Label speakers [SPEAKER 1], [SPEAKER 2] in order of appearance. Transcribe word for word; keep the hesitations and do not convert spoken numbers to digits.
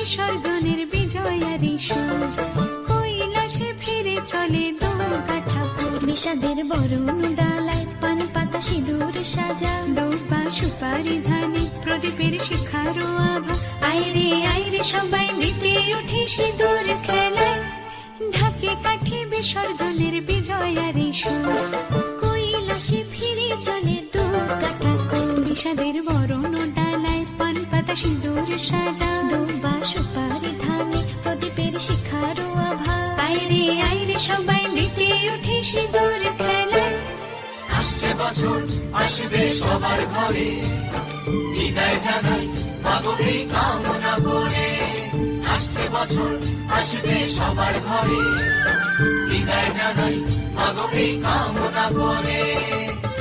[SPEAKER 1] বিসর্জনের বিজয়ারি সুর, কৈলাসে ফিরে চলে দুর্গা ঠাকুর।
[SPEAKER 2] বিষাদের বরণ ডালায় পান পাতা সিঁদুর সাজা,
[SPEAKER 1] দৌপা সুপারি ধানে প্রদীপের শিখারো আভা। আইরে আইরে সবাই মেতে উঠে সিঁদুর খেলায়, ঢাকে কাঠে বিসর্জনের বিজয়ারি সুর,
[SPEAKER 2] কৈলাসে ফিরে চলে দুর্গা ঠাকুর।
[SPEAKER 1] বিষাদের বরণ ডালায় পান পাতা সিঁদুর সাজা,
[SPEAKER 2] দুর্বা সুপারি ধানে প্রদীপের শিখারো আভা।
[SPEAKER 1] আইরে আইরে সবাই মেতে উঠে সিঁদুর খেলায়।
[SPEAKER 3] আসছে বছর আসবে সবার ঘরে, বিদায় জানাই মাগো এই কামনা করে। আসছে বছর আসবে সবার ঘরে, বিদায় জানাই মাগো এই কামনা করে।